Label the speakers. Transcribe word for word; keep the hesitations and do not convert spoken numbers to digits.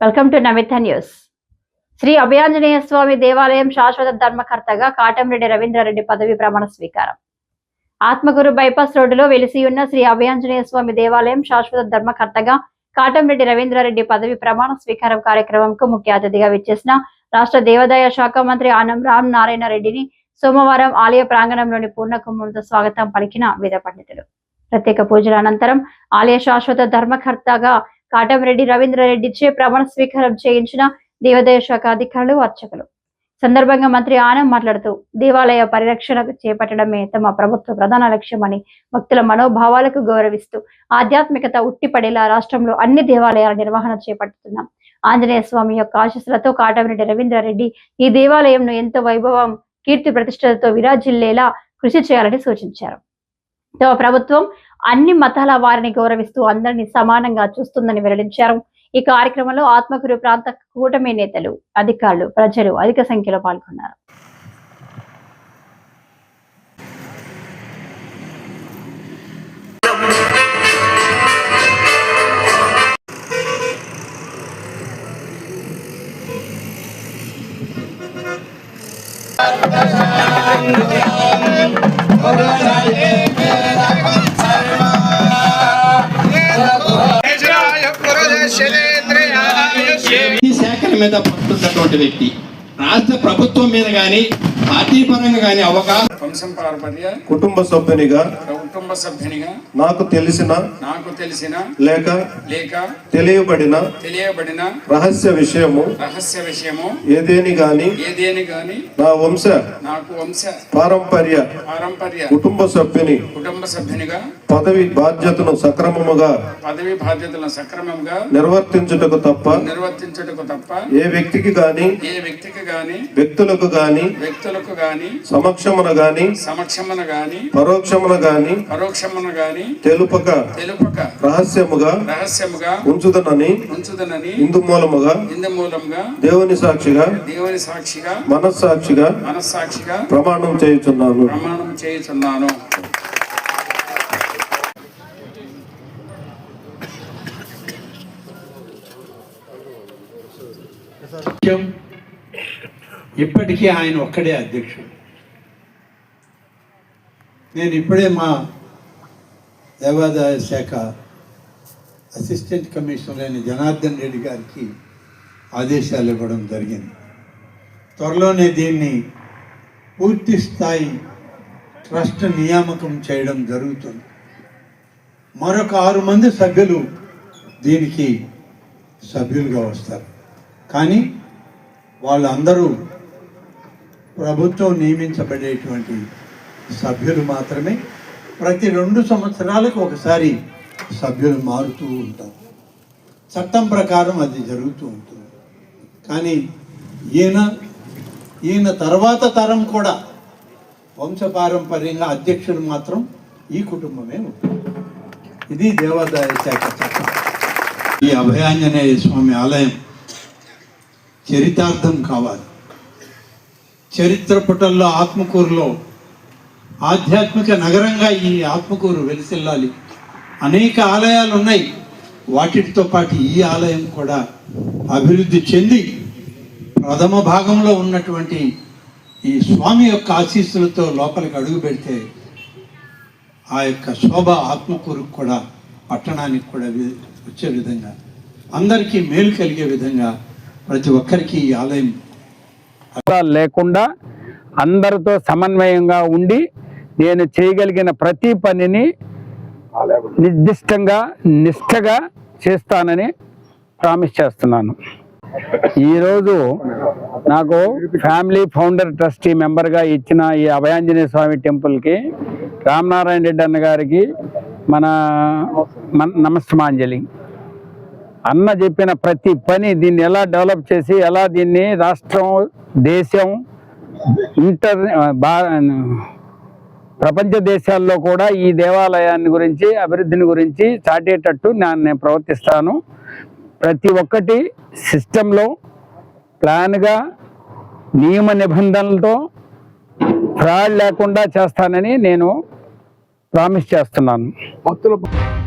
Speaker 1: Welcome to Namitha news. Shri Abhayanjaneya Swamy దేవాలయం శాశ్వత ధర్మకర్తగా కాటంరెడ్డి రవీంద్రారెడ్డి పదవి ప్రమాణ స్వీకారం. ఆత్మకూరు బైపాస్ రోడ్డులో వెలిసి ఉన్న శ్రీ అభయాంజనేయ స్వామి దేవాలయం శాశ్వత ధర్మకర్తగా కాటంరెడ్డి రవీంద్రారెడ్డి పదవి ప్రమాణ స్వీకారం కార్యక్రమంకు ముఖ్య అతిథిగా విచ్చేసిన రాష్ట్ర దేవాదాయ శాఖ మంత్రి ఆనం రామ్ నారాయణ రెడ్డిని సోమవారం ఆలయ ప్రాంగణంలోని పూర్ణ కుంభంతో స్వాగతం పలికిన వేద పండితులు. ప్రత్యేక పూజల అనంతరం ఆలయ శాశ్వత ధర్మకర్తగా కాటంరెడ్డి రవీంద్రారెడ్డిచే ప్రమాణ స్వీకారం చేయించిన దేవాదాయ శాఖ అధికారులు, అర్చకులు. సందర్భంగా మంత్రి ఆనం మాట్లాడుతూ దేవాలయ పరిరక్షణ చేపట్టడమే తమ ప్రభుత్వ ప్రధాన లక్ష్యమని, భక్తుల మనోభావాలకు గౌరవిస్తూ ఆధ్యాత్మికత ఉట్టిపడేలా రాష్ట్రంలో అన్ని దేవాలయాల నిర్వహణ చేపడుతున్నాం. ఆంజనేయ స్వామి యొక్క ఆశీస్సులతో కాటంరెడ్డి రవీంద్రారెడ్డి ఈ దేవాలయంను ఎంతో వైభవం, కీర్తి ప్రతిష్టలతో విరాజిల్లేలా కృషి చేయాలని సూచించారు. తమ ప్రభుత్వం అన్ని మతాల వారిని గౌరవిస్తూ అందరినీ సమానంగా చూస్తుందని వెల్లడించారు. ఈ కార్యక్రమంలో ఆత్మకూరు ప్రాంత కూటమి నేతలు, అధికారులు, ప్రజలు అధిక సంఖ్యలో పాల్గొన్నారు.
Speaker 2: శాఖల మీద పట్టున్నటువంటి వ్యక్తి రాష్ట్ర ప్రభుత్వం మీద గాని పార్టీ పరంగా గాని అవగాహన
Speaker 3: కుటుంబ సభ్యునిగా
Speaker 4: కుటుంబ సభ్యునిగా
Speaker 3: నాకు తెలిసిన
Speaker 4: నాకు తెలిసిన
Speaker 3: లేక
Speaker 4: లేక
Speaker 3: తెలియబడిన
Speaker 4: తెలియబడిన
Speaker 3: రహస్య విషయము
Speaker 4: రహస్య విషయము
Speaker 3: ఏదేని గాని
Speaker 4: ఏదేని గాని
Speaker 3: నా వంశ
Speaker 4: నాకు వంశ
Speaker 3: పారంపర్య
Speaker 4: పారంపర్య
Speaker 3: కుటుంబ సభ్యుని
Speaker 4: కుటుంబ సభ్యునిగా
Speaker 3: పదవి బాధ్యతను సక్రమముగా
Speaker 4: పదవి బాధ్యతలను సక్రమంగా
Speaker 3: నిర్వర్తించుటకు తప్ప
Speaker 4: నిర్వర్తించుటకు తప్ప
Speaker 3: ఏ వ్యక్తికి గాని
Speaker 4: ఏ వ్యక్తికి గాని
Speaker 3: వ్యక్తులకు గాని
Speaker 4: వ్యక్తులకు గాని
Speaker 3: సమక్షమున గాని
Speaker 4: సమక్షమున గాని
Speaker 3: పరోక్షమున గాని
Speaker 4: పరోక్షమున గాని
Speaker 3: తెలుపక
Speaker 4: తెలుపక
Speaker 3: రహస్యముగా
Speaker 4: రహస్యముగా
Speaker 3: ఉంచుదనని
Speaker 4: ఉంచుదనని
Speaker 3: ఇందు మూలముగా
Speaker 4: ఇందు మూలంగా
Speaker 3: దేవుని సాక్షిగా
Speaker 4: దేవుని సాక్షిగా
Speaker 3: మనస్సాక్షిగా
Speaker 4: మనస్సాక్షిగా
Speaker 3: ప్రమాణం చేయుచున్నాను
Speaker 4: ప్రమాణం చేయుచున్నాను.
Speaker 5: ఇప్పటికీ ఆయన ఒక్కడే అధ్యక్షుడు. నేను ఇప్పుడే మా దేవాదాయ శాఖ అసిస్టెంట్ కమిషనర్ అయిన జనార్దన్ రెడ్డి గారికి ఆదేశాలు ఇవ్వడం జరిగింది. త్వరలోనే దీన్ని పూర్తి స్థాయి ట్రస్ట్ నియామకం చేయడం జరుగుతుంది. మరొక ఆరు మంది సభ్యులు దీనికి సభ్యులుగా వస్తారు. కానీ వాళ్ళందరూ ప్రభుత్వం నియమించబడేటువంటి సభ్యులు మాత్రమే. ప్రతి రెండు సంవత్సరాలకు ఒకసారి సభ్యులు మారుతూ ఉంటారు. చట్టం ప్రకారం అది జరుగుతూ ఉంటుంది. కానీ ఈయన ఈయన తర్వాత తరం కూడా వంశపారంపర్యంగా అధ్యక్షుడు మాత్రం ఈ కుటుంబమే ఉంటుంది. ఇది దేవాదాయ శాఖ చట్టం. ఈ అభయాంజనేయ స్వామి ఆలయం చరితార్థం కావాలి. చరిత్ర పుటల్లో ఆత్మకూరులో ఆధ్యాత్మిక నగరంగా ఈ ఆత్మకూరు వెలిసిల్లాలి. అనేక ఆలయాలు ఉన్నాయి. వాటితో పాటు ఈ ఆలయం కూడా అభివృద్ధి చెంది ప్రథమ భాగంలో ఉన్నటువంటి ఈ స్వామి యొక్క ఆశీస్సులతో లోపలికి అడుగు పెడితే ఆ యొక్క శోభ ఆత్మకూరుకు కూడా, పట్టణానికి కూడా వచ్చే విధంగా, అందరికీ మేలు కలిగే విధంగా ప్రతి ఒక్కరికి ఈ ఆలయం
Speaker 6: లేకుండా అందరితో సమన్వయంగా ఉండి నేను చేయగలిగిన ప్రతి పనిని నిర్దిష్టంగా నిష్ఠగా చేస్తానని ప్రామిస్ చేస్తున్నాను. ఈరోజు నాకు ఫ్యామిలీ ఫౌండర్ ట్రస్టీ మెంబర్గా ఇచ్చిన ఈ అభయాంజనేయ స్వామి టెంపుల్కి రామనారాయణ రెడ్డి అన్న గారికి మన నమస్తమాంజలి. అన్న చెప్పిన ప్రతి పని దీన్ని ఎలా డెవలప్ చేసి ఎలా దీన్ని రాష్ట్రం, దేశం, ఇంటర్ బా ప్రపంచ దేశాల్లో కూడా ఈ దేవాలయాన్ని గురించి, అభివృద్ధిని గురించి చాటేటట్టు నేను ప్రవర్తిస్తాను. ప్రతి ఒక్కటి సిస్టంలో ప్లాన్గా, నియమ నిబంధనలతో, ఫ్రాడ్ లేకుండా చేస్తానని నేను ప్రామిస్ చేస్తున్నాను.